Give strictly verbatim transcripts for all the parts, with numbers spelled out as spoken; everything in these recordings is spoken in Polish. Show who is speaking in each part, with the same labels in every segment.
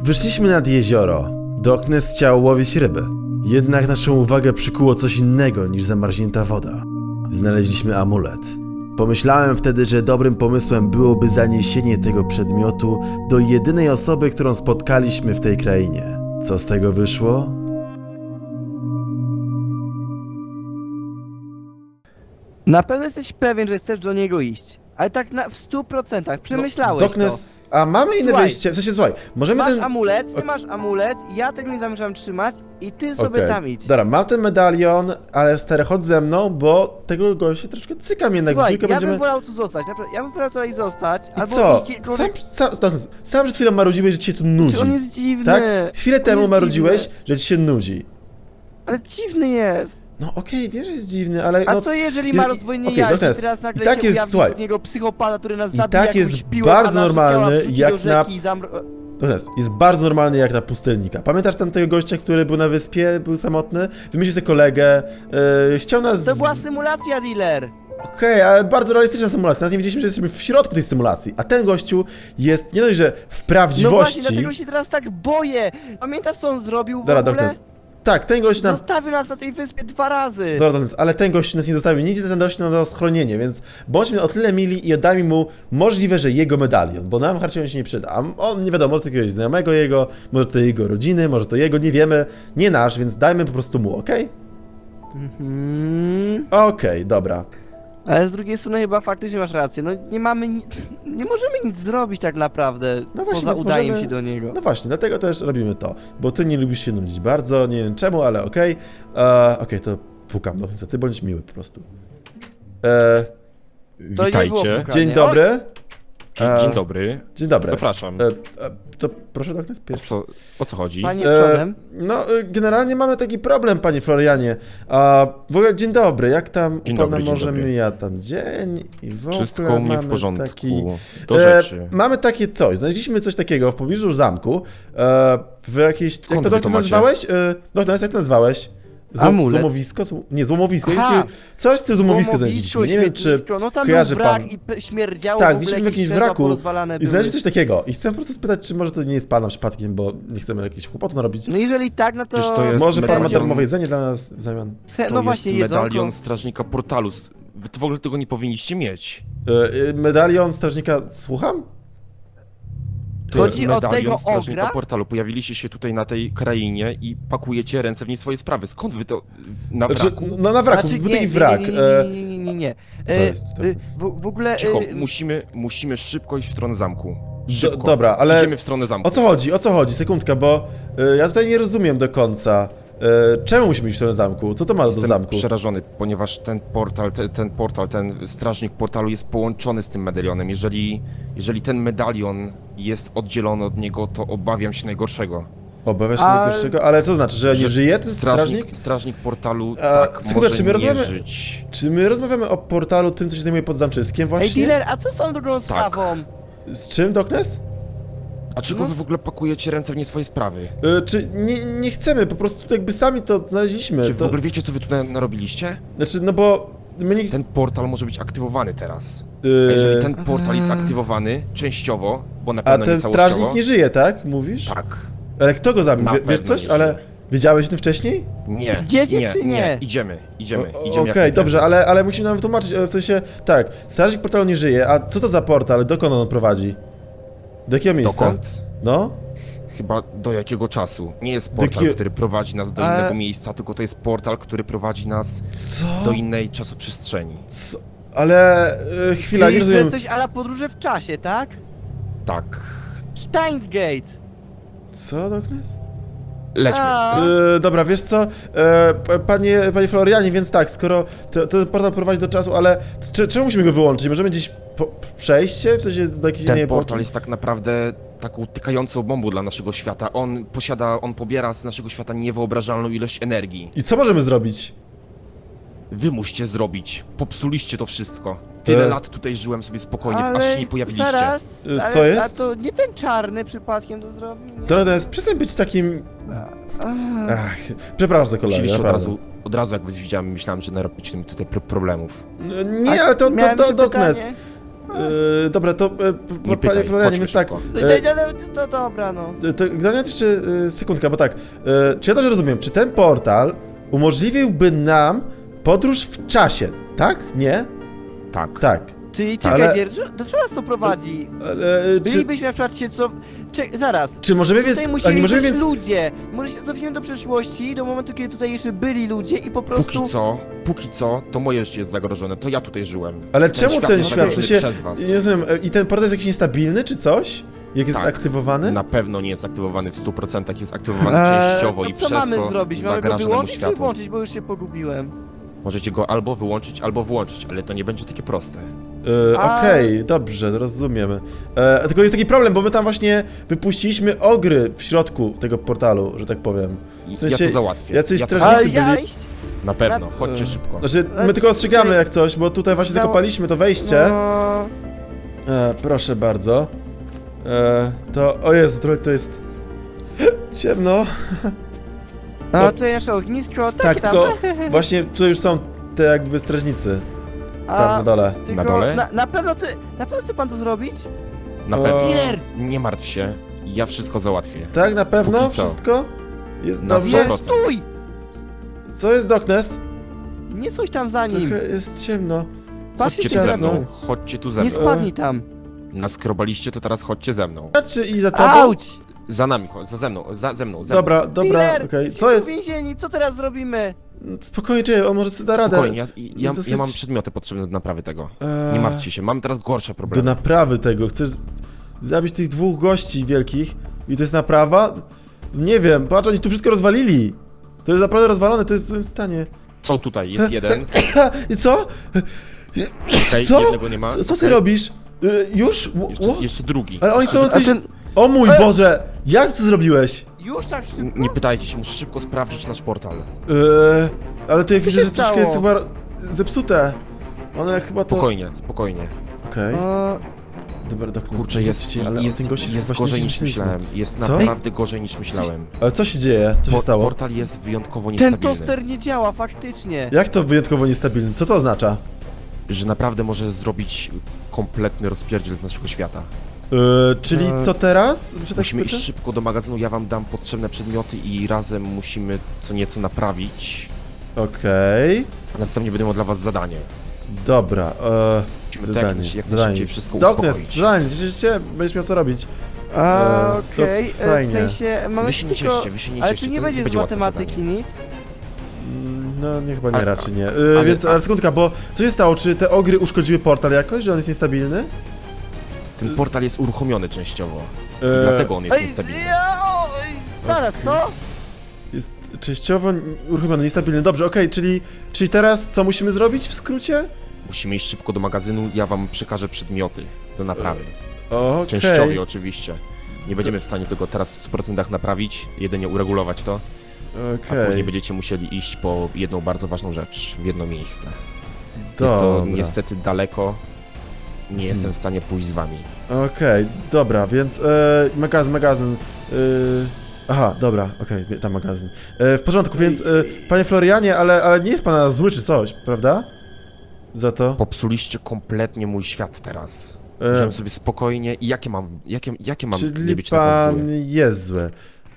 Speaker 1: Wyszliśmy nad jezioro. Darkness chciał łowić ryby. Jednak naszą uwagę przykuło coś innego niż zamarznięta woda. Znaleźliśmy amulet. Pomyślałem wtedy, że dobrym pomysłem byłoby zaniesienie tego przedmiotu do jedynej osoby, którą spotkaliśmy w tej krainie. Co z tego wyszło?
Speaker 2: Na pewno jesteś pewien, że chcesz do niego iść. Ale tak na, w stu procentach przemyślałeś
Speaker 1: Darkness, a mamy inne
Speaker 2: Słuchaj.
Speaker 1: wyjście. W sensie, słuchaj,
Speaker 2: to.
Speaker 1: możemy
Speaker 2: Masz
Speaker 1: ten...
Speaker 2: amulet, ty
Speaker 1: Ok.
Speaker 2: masz amulet, ja tego nie zamierzam trzymać i ty sobie
Speaker 1: Okej.
Speaker 2: tam idź.
Speaker 1: Dobra, mam ten medalion, ale stary, chodź ze mną, bo tego gościa troszkę cykam jednak.
Speaker 2: Słuchaj,
Speaker 1: w dwójkę
Speaker 2: ja
Speaker 1: będziemy...
Speaker 2: bym wolał tu zostać, naprawdę, ja bym wolał tutaj zostać,
Speaker 1: I
Speaker 2: albo
Speaker 1: co?
Speaker 2: iść gdziekolwiek-
Speaker 1: Sam, sam, sam, sam przed chwilą marudziłeś, że ci się tu nudzi.
Speaker 2: Czy on jest dziwny?
Speaker 1: Tak? Chwilę
Speaker 2: On
Speaker 1: temu
Speaker 2: jest
Speaker 1: marudziłeś,
Speaker 2: dziwny.
Speaker 1: że ci się nudzi.
Speaker 2: Ale dziwny jest.
Speaker 1: No okej, wiesz, że jest dziwny, ale
Speaker 2: A
Speaker 1: no...
Speaker 2: co jeżeli
Speaker 1: jest-
Speaker 2: ma rozdwojenie
Speaker 1: okej,
Speaker 2: jaźni,
Speaker 1: Darkness,
Speaker 2: teraz nagle
Speaker 1: i tak
Speaker 2: się
Speaker 1: jest,
Speaker 2: ujawni
Speaker 1: słuchaj,
Speaker 2: z niego psychopata, który nas
Speaker 1: i
Speaker 2: zabija
Speaker 1: tak
Speaker 2: jakąś
Speaker 1: jest
Speaker 2: piłą,
Speaker 1: bardzo
Speaker 2: a nasze
Speaker 1: normalny,
Speaker 2: ciała wrzuci
Speaker 1: jak
Speaker 2: do rzeki
Speaker 1: na-
Speaker 2: i zamro...
Speaker 1: Darkness, jest bardzo normalny jak na pustelnika. Pamiętasz tam tego gościa, który był na wyspie, był samotny? Wymyślił sobie kolegę, yy, chciał nas...
Speaker 2: To była symulacja, dealer!
Speaker 1: Okej, ale bardzo realistyczna symulacja. Nawet nie wiedzieliśmy, że jesteśmy w środku tej symulacji. A ten gościu jest nie dość, że w
Speaker 2: No
Speaker 1: prawdziwości...
Speaker 2: właśnie, dlatego się teraz tak boję! Pamiętasz, co on zrobił w
Speaker 1: Dobra,
Speaker 2: ogóle?
Speaker 1: Darkness. Tak, ten gość nam...
Speaker 2: Zostawił nas na tej wyspie dwa razy!
Speaker 1: Dobra, Darkness, ale ten gość nas nie zostawił nigdzie, ten gość nam dał schronienie, więc bądźmy o tyle mili i oddajmy mu możliwe, że jego medalion, bo nam harcie on się nie przyda. A on, nie wiadomo, może to jakiegoś znajomego jego, może to jego rodziny, może to jego, nie wiemy. Nie nasz, więc dajmy po prostu mu, okej?
Speaker 2: Mhm.
Speaker 1: Okej, dobra.
Speaker 2: Ale z drugiej strony chyba faktycznie masz rację, no nie mamy, ni- nie możemy nic zrobić tak naprawdę,
Speaker 1: No właśnie,
Speaker 2: poza
Speaker 1: więc
Speaker 2: udaniem
Speaker 1: możemy-
Speaker 2: się do niego.
Speaker 1: No właśnie, dlatego też robimy to, bo ty nie lubisz się nudzić bardzo, nie wiem czemu, ale okej. E, Okej, to pukam do końca, ty bądź miły po prostu. E,
Speaker 2: To nie było
Speaker 3: Witajcie.
Speaker 2: pukanie.
Speaker 1: dzień dobry.
Speaker 3: Dzień,
Speaker 1: E,
Speaker 3: dzień dobry.
Speaker 1: Dzień dobry.
Speaker 3: Zapraszam.
Speaker 1: E, e, to proszę Darkness
Speaker 3: O
Speaker 1: pierwszy.
Speaker 3: co, o co chodzi?
Speaker 2: Panie
Speaker 1: E,
Speaker 2: przodem.
Speaker 1: no, e, generalnie mamy taki problem, panie Florianie. A w ogóle dzień dobry, jak tam
Speaker 3: Dzień
Speaker 1: u pana
Speaker 3: dobry, dzień
Speaker 1: może
Speaker 3: dobry.
Speaker 1: mija tam dzień i w ogóle
Speaker 3: Wszystko u mnie
Speaker 1: mamy
Speaker 3: w porządku.
Speaker 1: Taki,
Speaker 3: Do
Speaker 1: e,
Speaker 3: rzeczy.
Speaker 1: mamy takie coś, znaleźliśmy coś takiego w pobliżu zamku, e, w jakiejś, jak
Speaker 3: Skąd
Speaker 1: to,
Speaker 3: wy
Speaker 1: jak
Speaker 3: to
Speaker 1: to
Speaker 3: macie?
Speaker 1: nazwałeś? E, Doktor, jak to nazwałeś? Zło,
Speaker 2: Amulet.
Speaker 1: złomowisko? Zł- Nie, złomowisko.
Speaker 2: Aha.
Speaker 1: Jakie- Coś z tym złomowisko
Speaker 2: Łomowisko,
Speaker 1: znaleźliśmy. Nie wiem, czy
Speaker 2: śmietnisko, no tam
Speaker 1: kojarzy
Speaker 2: był wrak
Speaker 1: pan.
Speaker 2: i p- śmierdziało,
Speaker 1: Tak,
Speaker 2: w ogóle
Speaker 1: widzieliśmy w
Speaker 2: jakieś
Speaker 1: jakimś
Speaker 2: krzesła
Speaker 1: wraku
Speaker 2: porozwalane
Speaker 1: i
Speaker 2: były.
Speaker 1: znaleźliśmy coś takiego. I chcę po prostu spytać, czy może to nie jest pana przypadkiem, bo nie chcemy jakichś kłopotów narobić.
Speaker 2: No jeżeli tak, no to...
Speaker 3: Przecież to jest
Speaker 1: Może pan ma
Speaker 3: medalion.
Speaker 1: darmowe jedzenie dla nas w zamian?
Speaker 2: Se-
Speaker 3: To
Speaker 2: no właśnie,
Speaker 3: jest medalion
Speaker 2: jedzonko.
Speaker 3: strażnika portalu. S- Wy to w ogóle tego nie powinniście mieć.
Speaker 1: E, e, medalion strażnika, słucham?
Speaker 3: To
Speaker 2: Chodzi
Speaker 3: jest
Speaker 2: o
Speaker 3: medalion
Speaker 2: tego
Speaker 3: strażnika
Speaker 2: ogra?
Speaker 3: portalu. Pojawiliście się tutaj na tej krainie i pakujecie ręce w nie swoje sprawy. Skąd wy to w- na
Speaker 1: Znaczy,
Speaker 3: wraku?
Speaker 1: no na wraku,
Speaker 2: Znaczy,
Speaker 1: był
Speaker 2: nie,
Speaker 1: taki
Speaker 2: nie,
Speaker 1: wrak.
Speaker 2: Nie,
Speaker 1: e,
Speaker 2: nie, nie, nie, nie, nie, nie.
Speaker 1: Co
Speaker 2: E,
Speaker 1: jest? To
Speaker 2: e,
Speaker 1: jest-
Speaker 2: W, w ogóle...
Speaker 3: Cicho,
Speaker 2: e,
Speaker 3: musimy, musimy szybko iść w stronę zamku.
Speaker 1: Do,
Speaker 3: Szybko.
Speaker 1: dobra, ale
Speaker 3: Idziemy w stronę zamku.
Speaker 1: o co chodzi, o co chodzi? Sekundka, bo e, ja tutaj nie rozumiem do końca. E, czemu musimy iść w stronę zamku? Co to ma do
Speaker 3: Jestem
Speaker 1: zamku?
Speaker 3: przerażony, ponieważ ten portal, te, ten portal, ten strażnik portalu jest połączony z tym medalionem. Jeżeli, jeżeli ten medalion jest oddzielony od niego, to obawiam się najgorszego.
Speaker 1: Obawiasz się
Speaker 2: A-
Speaker 1: najgorszego? Ale co znaczy, że nie
Speaker 3: Że
Speaker 1: żyje ten strażnik?
Speaker 3: Strażnik portalu
Speaker 1: A,
Speaker 3: tak
Speaker 1: sekunda,
Speaker 3: może
Speaker 1: czy my
Speaker 3: nie
Speaker 1: rozmawiamy-
Speaker 3: żyć.
Speaker 1: Czy my rozmawiamy o portalu tym, co się zajmuje pod zamczyskiem
Speaker 2: Ej,
Speaker 1: właśnie?
Speaker 2: dealer, a co z tą drugą
Speaker 3: Tak.
Speaker 2: sprawą?
Speaker 1: Z czym, Doknes?
Speaker 3: A czego
Speaker 2: No
Speaker 3: wy
Speaker 2: s-
Speaker 3: w ogóle pakujecie ręce w nie swoje sprawy?
Speaker 1: E, czy nie, nie chcemy, po prostu jakby sami to znaleźliśmy.
Speaker 3: Czy w
Speaker 1: to,
Speaker 3: ogóle wiecie, co wy tutaj narobiliście?
Speaker 1: Znaczy, no bo my nie...
Speaker 3: Ten portal może być aktywowany teraz.
Speaker 1: e,
Speaker 3: A jeżeli ten portal jest aktywowany częściowo, bo na
Speaker 1: A
Speaker 3: pewno
Speaker 1: ten
Speaker 3: nie całościowo...
Speaker 1: strażnik nie żyje, tak? Mówisz?
Speaker 3: Tak.
Speaker 1: Ale kto go zabił?
Speaker 3: Na
Speaker 1: Wie, wiesz
Speaker 3: pewno
Speaker 1: coś?
Speaker 3: nie
Speaker 1: Ale
Speaker 3: żyje.
Speaker 1: wiedziałeś o tym wcześniej?
Speaker 3: Nie,
Speaker 2: Idziecie
Speaker 3: nie,
Speaker 2: czy nie?
Speaker 3: Idziemy, idziemy,
Speaker 1: O-
Speaker 3: idziemy.
Speaker 1: Okej,
Speaker 3: jak najprędzej.
Speaker 1: dobrze, ale, ale musimy nam wytłumaczyć, e, w sensie, tak, strażnik portalu nie żyje, a co to za portal? Dokąd on prowadzi? Do jakiego miejsca?
Speaker 3: Dokąd?
Speaker 1: No?
Speaker 3: Chyba do jakiego czasu? Nie jest portal,
Speaker 1: jakie-
Speaker 3: który prowadzi nas do
Speaker 2: Ale-
Speaker 3: innego miejsca, tylko to jest portal, który prowadzi nas
Speaker 1: Co?
Speaker 3: do innej czasoprzestrzeni.
Speaker 1: Co? Ale, e, chwila, nie
Speaker 2: Czyli, że
Speaker 1: rozumiem.
Speaker 2: coś ala podróże w czasie, tak?
Speaker 3: Tak.
Speaker 2: Steins Gate.
Speaker 1: Co, Doknes?
Speaker 3: Lećmy.
Speaker 2: A,
Speaker 1: E, dobra, wiesz co, e, p- panie, panie Florianie, więc tak, skoro to, ten portal prowadzi do czasu, ale czy, czemu musimy go wyłączyć? Możemy gdzieś po, przejście? W sensie do jakiejś innej
Speaker 3: Ten
Speaker 1: epoki?
Speaker 3: portal jest tak naprawdę taką tykającą bombą dla naszego świata. On posiada, on pobiera z naszego świata niewyobrażalną ilość energii.
Speaker 1: I co możemy zrobić?
Speaker 3: Wy musicie zrobić. Popsuliście to wszystko. Tyle
Speaker 1: E.
Speaker 3: lat tutaj żyłem sobie spokojnie, aż
Speaker 2: ale
Speaker 3: się nie pojawiliście.
Speaker 2: zaraz,
Speaker 1: Y,
Speaker 2: ale,
Speaker 1: co jest?
Speaker 2: A to nie ten czarny przypadkiem to zrobił? Nie?
Speaker 1: Doknes, przestań być takim...
Speaker 2: Ach.
Speaker 1: Ach, przepraszam za kolegę,
Speaker 3: Oczywiście od
Speaker 1: naprawdę.
Speaker 3: razu, od razu jak was widziałem, myślałem, że narobicie mi tutaj pro problemów.
Speaker 1: No, nie, ale to, to,
Speaker 2: Miałem
Speaker 1: to,
Speaker 2: jeszcze
Speaker 1: Doknes.
Speaker 2: pytanie.
Speaker 1: Yy, dobra, to, e, p-
Speaker 3: Nie
Speaker 1: panie
Speaker 3: pytaj,
Speaker 1: Florianie,
Speaker 3: chodźmy
Speaker 1: więc tak,
Speaker 3: szybko.
Speaker 2: No,
Speaker 1: e,
Speaker 2: no, no, to dobra, no.
Speaker 1: to Granat jeszcze e, sekundka, bo tak, e, czy ja dobrze rozumiem, czy ten portal umożliwiłby nam podróż w czasie, tak? Nie?
Speaker 3: Tak.
Speaker 1: Tak.
Speaker 2: Czyli
Speaker 1: Ale-
Speaker 2: czekaj, Ale... do czego nas to prowadzi?
Speaker 1: Ale, e, czy,
Speaker 2: Bylibyśmy na przykład się co... Czek, zaraz.
Speaker 1: czy możemy więc,
Speaker 2: Tutaj
Speaker 1: ale
Speaker 2: musieli
Speaker 1: nie możemy
Speaker 2: być
Speaker 1: więc,
Speaker 2: ludzie. Może się cofniemy do przeszłości, do momentu, kiedy tutaj jeszcze byli ludzie i po prostu...
Speaker 3: Póki co, póki co, to moje życie jest zagrożone, to ja tutaj żyłem.
Speaker 1: ale
Speaker 3: Ten
Speaker 1: czemu
Speaker 3: świat
Speaker 1: ten
Speaker 3: jest
Speaker 1: świat, w
Speaker 3: zagrożony
Speaker 1: sensie,
Speaker 3: przez was.
Speaker 1: nie rozumiem, e, i ten portal jest jakiś niestabilny, czy coś? Jak jest
Speaker 3: Tak.
Speaker 1: aktywowany?
Speaker 3: Na pewno nie jest aktywowany w stu procentach, jest aktywowany
Speaker 2: Eee,
Speaker 3: częściowo
Speaker 2: to
Speaker 3: i
Speaker 2: co
Speaker 3: przez
Speaker 2: mamy
Speaker 3: to
Speaker 2: zrobić? Mamy go
Speaker 3: zagraża nemu
Speaker 2: wyłączyć czy
Speaker 3: światu.
Speaker 2: włączyć, bo już się pogubiłem.
Speaker 3: Możecie go albo wyłączyć, albo włączyć, ale to nie będzie takie proste.
Speaker 1: E,
Speaker 2: A-
Speaker 1: Okej, dobrze, rozumiemy. E, tylko jest taki problem, bo my tam właśnie wypuściliśmy ogry w środku tego portalu, że tak powiem.
Speaker 3: I
Speaker 1: W sensie,
Speaker 3: ja to załatwię.
Speaker 1: jacyś
Speaker 3: ja to
Speaker 1: strażnicy-
Speaker 2: Ale
Speaker 1: byli-
Speaker 2: ja iść?
Speaker 3: Na pewno,
Speaker 2: Na-
Speaker 3: chodźcie
Speaker 1: E,
Speaker 3: szybko.
Speaker 1: Znaczy,
Speaker 2: Ale
Speaker 1: my tylko ostrzegamy
Speaker 2: tutaj-
Speaker 1: jak coś, bo tutaj właśnie
Speaker 2: Zało-
Speaker 1: zakopaliśmy to wejście.
Speaker 2: No...
Speaker 1: E, proszę bardzo. E, to, o Jezu, trochę to jest ciemno.
Speaker 2: A tutaj nasze ognisko,
Speaker 1: Tak,
Speaker 2: tak, tam.
Speaker 1: tylko właśnie tutaj już są te jakby strażnicy. Tam
Speaker 2: A,
Speaker 1: na dole.
Speaker 2: tylko
Speaker 3: Na dole?
Speaker 2: Na, na pewno ty, na pewno chce pan to zrobić?
Speaker 3: Na
Speaker 1: O.
Speaker 3: pewno.
Speaker 2: Dealer!
Speaker 3: Nie martw się, ja wszystko załatwię.
Speaker 1: Tak, na pewno?
Speaker 3: Póki co.
Speaker 1: Wszystko? Jest
Speaker 3: Na
Speaker 1: dobrze?
Speaker 3: sto
Speaker 2: Nie,
Speaker 3: procent.
Speaker 2: stój!
Speaker 1: Co jest Doknes?
Speaker 2: Nie coś tam za nim.
Speaker 1: Trochę jest ciemno.
Speaker 2: Patrzcie
Speaker 3: Chodźcie tu ze
Speaker 1: ciasno.
Speaker 3: mną, chodźcie tu ze
Speaker 2: Nie
Speaker 3: mną.
Speaker 2: spadnij tam.
Speaker 3: Naskrobaliście, to teraz chodźcie ze mną.
Speaker 1: Czy i za tobą?
Speaker 2: Auć!
Speaker 3: Za nami, chodź, za ze mną, za, ze mną, ze mną.
Speaker 1: Dobra, dobra,
Speaker 2: Dealer!
Speaker 1: okej.
Speaker 2: Jesteśmy
Speaker 1: Co jest?
Speaker 2: Więzieni, co teraz zrobimy?
Speaker 1: Spokojnie, czekaj, on może sobie da radę.
Speaker 3: Spokojnie, ja, ja,
Speaker 1: dosyć-
Speaker 3: ja mam przedmioty potrzebne do naprawy tego.
Speaker 1: Eee,
Speaker 3: Nie martwcie się, mam teraz gorsze
Speaker 1: Do
Speaker 3: problemy.
Speaker 1: naprawy tego. Chcesz z- zabić tych dwóch gości wielkich i to jest naprawa? Nie wiem, patrz, oni tu wszystko rozwalili. To jest naprawdę rozwalone, to jest w złym stanie.
Speaker 3: Są tutaj, jest jeden.
Speaker 1: Ha, i co?
Speaker 3: Okej,
Speaker 1: Co?
Speaker 3: jednego nie ma.
Speaker 1: Co, co ty
Speaker 3: okej.
Speaker 1: robisz? Y, już? Ło-
Speaker 3: Jeszcze,
Speaker 1: ło?
Speaker 3: jeszcze drugi.
Speaker 1: Ale oni są
Speaker 2: A
Speaker 1: jacyś...
Speaker 2: ten...
Speaker 1: O mój
Speaker 2: E!
Speaker 1: Boże! Jak to zrobiłeś?
Speaker 2: Już tak szybko?
Speaker 3: N- Nie pytajcie się, muszę szybko sprawdzić nasz portal.
Speaker 1: Yy, ale tutaj
Speaker 2: Co
Speaker 1: widzę,
Speaker 2: się
Speaker 1: że troszkę jest
Speaker 2: stało?
Speaker 1: chyba zepsute. One chyba to...
Speaker 3: Spokojnie, spokojnie.
Speaker 1: Okej.
Speaker 2: O,
Speaker 1: Dobra, doktor.
Speaker 3: Kurczę, jest,
Speaker 1: ale
Speaker 3: jest,
Speaker 1: o tym gościu
Speaker 3: jest
Speaker 1: chyba
Speaker 3: gorzej
Speaker 1: źle
Speaker 3: niż
Speaker 1: myśleliśmy.
Speaker 3: myślałem. Jest
Speaker 1: Co?
Speaker 3: naprawdę gorzej niż myślałem.
Speaker 1: Ale co się dzieje? Co się
Speaker 3: Por-
Speaker 1: stało?
Speaker 3: Portal jest wyjątkowo
Speaker 2: ten
Speaker 3: niestabilny.
Speaker 2: toster nie działa, faktycznie.
Speaker 1: Jak to wyjątkowo niestabilny? Co to oznacza?
Speaker 3: Że naprawdę może zrobić kompletny rozpierdziel z naszego świata.
Speaker 1: Yy, czyli
Speaker 2: E,
Speaker 1: co teraz? Że tak
Speaker 3: Musimy
Speaker 1: spytam?
Speaker 3: iść szybko do magazynu, ja wam dam potrzebne przedmioty i razem musimy co nieco naprawić.
Speaker 1: Okej.
Speaker 3: A następnie będę miał dla was zadanie.
Speaker 1: Dobra, e,
Speaker 3: Musimy tak jak,
Speaker 1: zadanie,
Speaker 3: naj- jak
Speaker 1: zadanie.
Speaker 3: najszybciej wszystko
Speaker 1: Doknes,
Speaker 3: uspokoić.
Speaker 1: zadanie, cieszysz się? Będziesz miał co robić.
Speaker 2: A,
Speaker 1: E, to
Speaker 2: okej, e, w
Speaker 1: fajnie.
Speaker 2: sensie mamy
Speaker 3: Wy się nie
Speaker 2: tylko...
Speaker 3: cieszcie, wy się nie
Speaker 2: Ale
Speaker 3: cieszcie,
Speaker 2: tu nie
Speaker 3: to
Speaker 2: będzie z
Speaker 3: będzie łatwe
Speaker 2: matematyki
Speaker 3: zadanie.
Speaker 2: nic?
Speaker 1: Mm, No, nie, chyba nie,
Speaker 3: Ale-
Speaker 1: raczej nie. Yy,
Speaker 3: ale-
Speaker 1: więc, ale sekundka, bo co się stało? Czy te ogry uszkodziły portal jakoś, że on jest niestabilny?
Speaker 3: Ten portal jest uruchomiony częściowo. I
Speaker 1: E,
Speaker 3: dlatego on jest
Speaker 2: Ej,
Speaker 3: niestabilny.
Speaker 2: ja, o, ej, zaraz, co?
Speaker 1: Jest częściowo uruchomiony, niestabilny. Dobrze, okej, czyli, czyli teraz co musimy zrobić w skrócie?
Speaker 3: Musimy iść szybko do magazynu, ja wam przekażę przedmioty do naprawy.
Speaker 1: Okej.
Speaker 3: Częściowo oczywiście. Nie będziemy w stanie tego teraz w stu procentach naprawić, jedynie uregulować to, a
Speaker 1: Okej.
Speaker 3: później będziecie musieli iść po jedną bardzo ważną rzecz, w jedno miejsce. Jest to
Speaker 1: Dobra.
Speaker 3: niestety daleko, nie jestem
Speaker 1: Hmm.
Speaker 3: w stanie pójść z wami.
Speaker 1: Okej, dobra, więc e, magazyn, magazyn. E, aha, dobra, okej, wie- tam magazyn. E, w porządku, więc e, panie Florianie, ale, ale nie jest pana zły czy coś, prawda? Za to.
Speaker 3: Popsuliście kompletnie mój świat teraz.
Speaker 1: E,
Speaker 3: Żyłem sobie spokojnie i jakie mam, jakie, jakie mam nie
Speaker 1: czyli
Speaker 3: być na was
Speaker 1: pan
Speaker 3: zły?
Speaker 1: jest zły.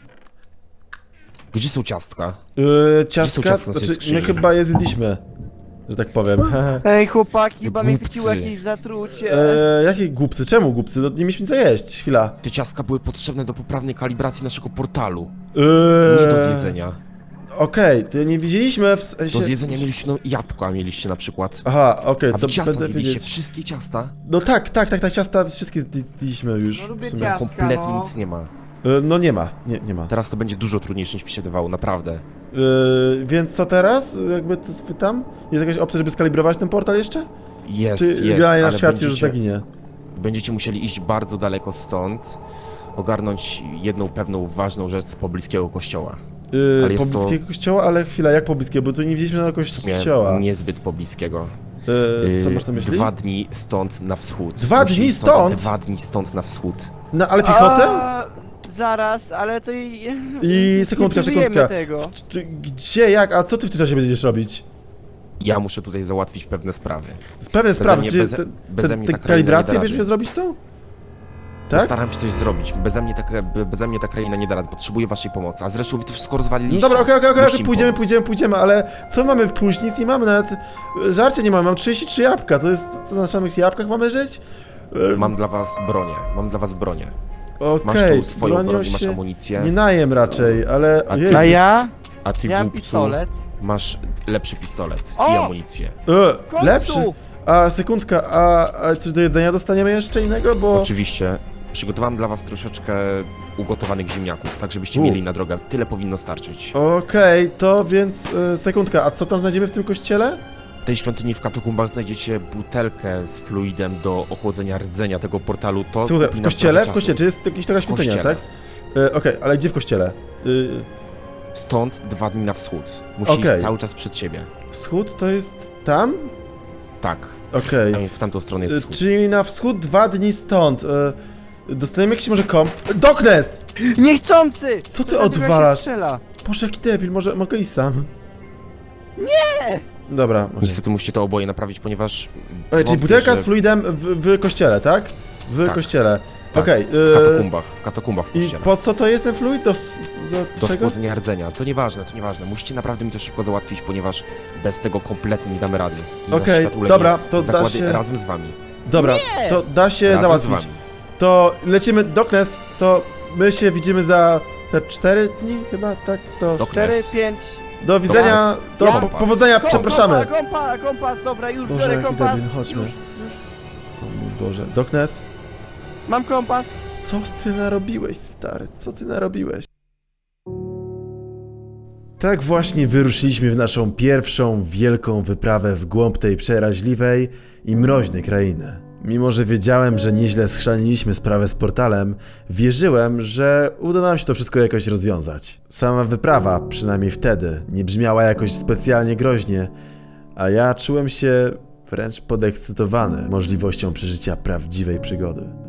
Speaker 3: Gdzie są ciastka?
Speaker 1: E, ciastka,
Speaker 3: ciastka w tej
Speaker 1: znaczy
Speaker 3: skrzyni?
Speaker 1: my chyba je zjedliśmy, że tak powiem.
Speaker 2: Ej, chłopaki, chyba mnie
Speaker 3: Głupcy.
Speaker 2: chwyciło jakieś zatrucie.
Speaker 1: e, jakie głupcy? Czemu głupcy? No, nie mieliśmy co jeść, chwila.
Speaker 3: Te ciastka były potrzebne do poprawnej kalibracji naszego portalu.
Speaker 1: E,
Speaker 3: Nie do zjedzenia.
Speaker 1: Okej, to nie widzieliśmy w sensie...
Speaker 3: Do zjedzenia mieliście, no jabłka mieliście na przykład.
Speaker 1: Aha, okej,
Speaker 3: A
Speaker 1: to
Speaker 3: wy ciasta
Speaker 1: będę
Speaker 3: zjedliście,
Speaker 1: wiedzieć.
Speaker 3: wszystkie ciasta.
Speaker 1: No tak, tak, tak, tak, ciasta wszystkie zjedliśmy już.
Speaker 2: No lubię
Speaker 1: w sumie.
Speaker 2: ciasta.
Speaker 3: Kompletnie
Speaker 2: no.
Speaker 3: nic nie ma.
Speaker 1: E, No nie ma, nie, nie ma.
Speaker 3: Teraz to będzie dużo trudniejsze niż mi się wydawało, naprawdę.
Speaker 1: Yy, więc co teraz? Jakby to spytam? Jest jakaś opcja, żeby skalibrować ten portal jeszcze?
Speaker 3: Jest,
Speaker 1: Czy
Speaker 3: jest,
Speaker 1: generalnie
Speaker 3: ale
Speaker 1: nasz świat
Speaker 3: będziecie,
Speaker 1: już zaginie?
Speaker 3: będziecie musieli iść bardzo daleko stąd, ogarnąć jedną pewną ważną rzecz z pobliskiego kościoła.
Speaker 1: Yy,
Speaker 3: Ale jest
Speaker 1: pobliskiego kościoła? Ale chwila, jak pobliskiego? Bo tu nie widzieliśmy na
Speaker 3: W sumie
Speaker 1: kościoła.
Speaker 3: niezbyt pobliskiego.
Speaker 1: Yy, co
Speaker 3: Yy,
Speaker 1: masz na myśli?
Speaker 3: Dwa dni stąd na wschód.
Speaker 1: Dwa
Speaker 3: Musimy
Speaker 1: dni stąd?
Speaker 3: Dwa dni stąd na wschód.
Speaker 1: No ale piechotę?
Speaker 2: A, zaraz, ale to i...
Speaker 1: I sekundka,
Speaker 2: nie przeżyjemy
Speaker 1: sekundka.
Speaker 2: tego.
Speaker 1: Czy, gdzie, jak? A co ty w tym czasie będziesz robić?
Speaker 3: Ja muszę tutaj załatwić pewne sprawy.
Speaker 1: Z pewnej sprawy,
Speaker 3: mnie-
Speaker 1: czy
Speaker 3: beze-
Speaker 1: te,
Speaker 3: beze
Speaker 1: te,
Speaker 3: mnie
Speaker 1: te
Speaker 3: ta kraina nie
Speaker 1: kalibrację
Speaker 3: da
Speaker 1: wiesz
Speaker 3: rady.
Speaker 1: mnie zrobić tą? Tak?
Speaker 3: Postaram się coś zrobić. Beze mnie, ta, be- beze mnie ta kraina nie da rady. Potrzebuję waszej pomocy. A zresztą wy to wszystko rozwaliliście.
Speaker 1: No dobra, okej, okej, okej,
Speaker 3: Musicie mi
Speaker 1: pójdziemy,
Speaker 3: pomóc.
Speaker 1: pójdziemy, pójdziemy, ale co mamy pójść? Nic nie mamy, nawet żarcie nie mamy, mam trzydzieści trzy jabłka, to jest, co na samych jabłkach mamy żyć? E,
Speaker 3: Mam dla was bronię. Mam dla was bronię. Masz
Speaker 1: Okej,
Speaker 3: tu swoją
Speaker 1: bronią
Speaker 3: broń, masz
Speaker 1: się
Speaker 3: amunicję.
Speaker 1: nie najem raczej, ale...
Speaker 3: A
Speaker 1: ojej,
Speaker 2: A ja?
Speaker 3: A ty,
Speaker 2: Miałem
Speaker 3: głupcu,
Speaker 2: pistolet.
Speaker 3: masz lepszy pistolet
Speaker 2: O!
Speaker 3: i amunicję.
Speaker 1: E,
Speaker 2: końcu!
Speaker 1: lepszy? A, sekundka, a, a coś do jedzenia dostaniemy jeszcze innego, bo...
Speaker 3: Oczywiście. Przygotowałem dla was troszeczkę ugotowanych ziemniaków, tak żebyście
Speaker 1: U.
Speaker 3: mieli na drogę. Tyle powinno starczyć.
Speaker 1: Okej, to więc e, sekundka, a co tam znajdziemy w tym kościele?
Speaker 3: W tej świątyni w katakumbach znajdziecie butelkę z fluidem do ochłodzenia rdzenia tego portalu. To
Speaker 1: Słuchaj,
Speaker 3: kupi
Speaker 1: w
Speaker 3: nam
Speaker 1: kościele?
Speaker 3: trochę
Speaker 1: W
Speaker 3: czasu.
Speaker 1: kościele, czy jest jakaś taka
Speaker 3: W
Speaker 1: świątynia,
Speaker 3: kościele.
Speaker 1: tak? E, Okej, ale gdzie w kościele? Y,
Speaker 3: Stąd dwa dni na wschód. Musi
Speaker 1: Okej.
Speaker 3: iść cały czas przed siebie.
Speaker 1: wschód to jest tam?
Speaker 3: Tak.
Speaker 1: Okej.
Speaker 3: Tam w tamtą stronę jest
Speaker 1: Y,
Speaker 3: wschód.
Speaker 1: Czyli na wschód dwa dni stąd. Y, dostaniemy jakiś może komp. Doknes!
Speaker 2: Niechcący!
Speaker 1: Co ty
Speaker 2: Dlatego jak się
Speaker 1: odwalasz?
Speaker 2: strzela.
Speaker 1: Boże, jaki debil, może mogę iść sam? Nie! Dobra, okej.
Speaker 3: Niestety musicie to oboje naprawić, ponieważ...
Speaker 1: Ej, czyli
Speaker 3: wątpię,
Speaker 1: butelka
Speaker 3: że-
Speaker 1: z fluidem w, w kościele, tak? W
Speaker 3: Tak.
Speaker 1: kościele.
Speaker 3: Tak,
Speaker 1: Okej.
Speaker 3: w
Speaker 1: y,
Speaker 3: katakumbach, w katakumbach w
Speaker 1: I
Speaker 3: kościele.
Speaker 1: po co to jest ten fluid? Do, s- z,
Speaker 3: Do
Speaker 1: czego?
Speaker 3: schłodzenia rdzenia. To nieważne, to nieważne. Musicie naprawdę mi to szybko załatwić, ponieważ bez tego kompletnie nie damy rady. I nasz
Speaker 1: Okej,
Speaker 3: świat ulegnie.
Speaker 1: dobra, to da
Speaker 3: Zakłady
Speaker 1: się-
Speaker 3: razem z wami.
Speaker 1: Dobra, to da się
Speaker 3: Razem z
Speaker 1: załatwić.
Speaker 3: wami.
Speaker 1: To lecimy, Doknes, to my się widzimy za te cztery dni chyba, tak? To
Speaker 3: Dok-
Speaker 2: cztery,
Speaker 3: Yes.
Speaker 2: pięć.
Speaker 1: do widzenia, do
Speaker 2: Ja-
Speaker 1: po, powodzenia, przepraszamy.
Speaker 2: Kompas, kompas, kompas, dobra, już
Speaker 1: Boże,
Speaker 2: biorę
Speaker 1: jaki
Speaker 2: kompas.
Speaker 1: debil, chodźmy.
Speaker 2: Już, już.
Speaker 1: O mój Boże, Doknes,
Speaker 2: Mam kompas.
Speaker 1: co ty narobiłeś, stary, co ty narobiłeś? Tak właśnie wyruszyliśmy w naszą pierwszą wielką wyprawę w głąb tej przeraźliwej i mroźnej krainy. Mimo że wiedziałem, że nieźle schrzaniliśmy sprawę z portalem, wierzyłem, że uda nam się to wszystko jakoś rozwiązać. Sama wyprawa, przynajmniej wtedy, nie brzmiała jakoś specjalnie groźnie, a ja czułem się wręcz podekscytowany możliwością przeżycia prawdziwej przygody.